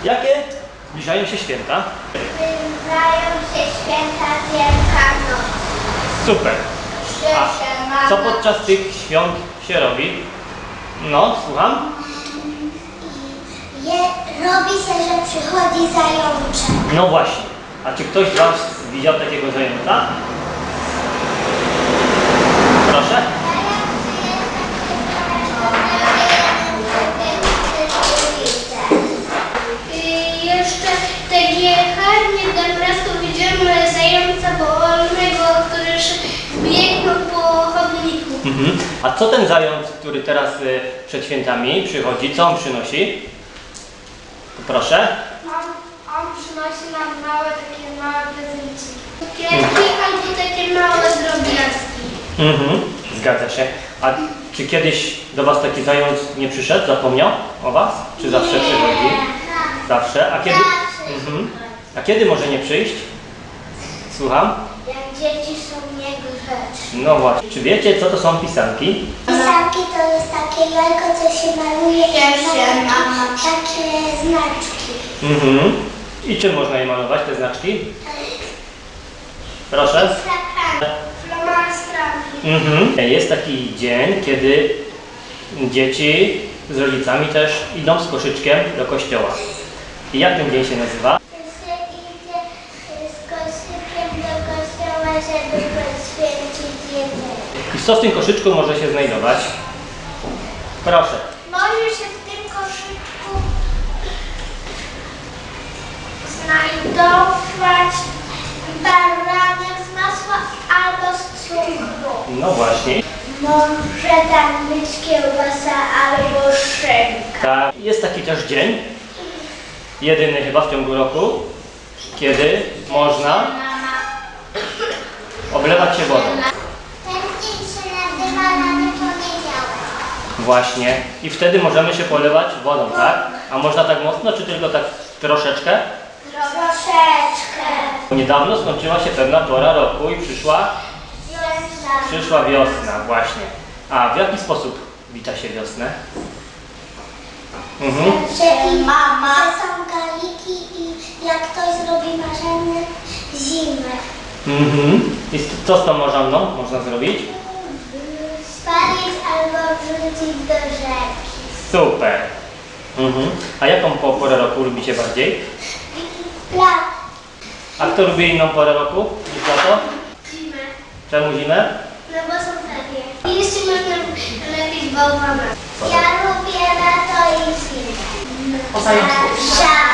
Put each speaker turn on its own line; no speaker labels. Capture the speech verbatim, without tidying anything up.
Jakie zbliżają się święta?
Zbliżają się święta Wielkanocy.
Super. A co podczas tych świąt się robi? No, słucham?
Je, robi się, że przychodzi zajączek.
No właśnie. A czy ktoś z Was widział takiego zająca? Proszę?
I jeszcze tak jechałem jeden raz, to widziałem zająca wolnego, który biegł po chodniku.
Mhm. A co ten zając, który teraz y, przed świętami przychodzi, co on przynosi? Proszę?
On, on przynosi nam małe, takie małe prezenciki. Kwiatki albo takie małe drobiazgi.
Mhm. Zgadza się. A czy kiedyś do Was taki zając nie przyszedł, zapomniał o Was? Czy zawsze
Nie.
przychodzi? Zawsze. A kiedy?
Zawsze.
Mhm. A kiedy może nie przyjść? Słucham?
Jak dzieci są niegrzeczne.
No właśnie. Czy wiecie, co to są pisanki?
Pisanki to jest takie jajko, co się maluje i ma takie znaczki.
Mhm. I czym można je malować, te znaczki? Proszę.
Flomastrami.
Mhm. Jest taki dzień, kiedy dzieci z rodzicami też idą z koszyczkiem do kościoła. I jak ten dzień się nazywa?
To się idzie z koszykiem do kościoła, żeby poświęcić jedzenie.
I co w tym koszyczku może się znajdować? Proszę.
Może się w tym koszyczku znajdować baranek z masła albo z cukru.
No właśnie.
Może tam być kiełbasa albo szynka.
Ta, jest taki też dzień, jedyny chyba w ciągu roku, kiedy można oblewać się wodą.
Ten dzień się nazywa Rany Poniedziałek.
Właśnie. I wtedy możemy się polewać wodą, tak? A można tak mocno, czy tylko tak troszeczkę?
Troszeczkę.
Niedawno skończyła się pewna pora roku i przyszła,
Wiosna.
przyszła wiosna, właśnie. A w jaki sposób wita się wiosnę? Mhm.
Czyli mama. Że są galiki i jak ktoś zrobi marzenie zimę.
Mhm. I co z tą morzanną można zrobić?
Spalić albo wrzucić do rzeki.
Super. Mhm. A jaką po- porę roku lubicie bardziej?
Lat.
A kto lubi inną porę roku niż lato?
Zimę.
Czemu zimę?
No bo są takie. I jeszcze można lepić bałwana. Ja lubię lato i zimę.
O zajączku.
Szał.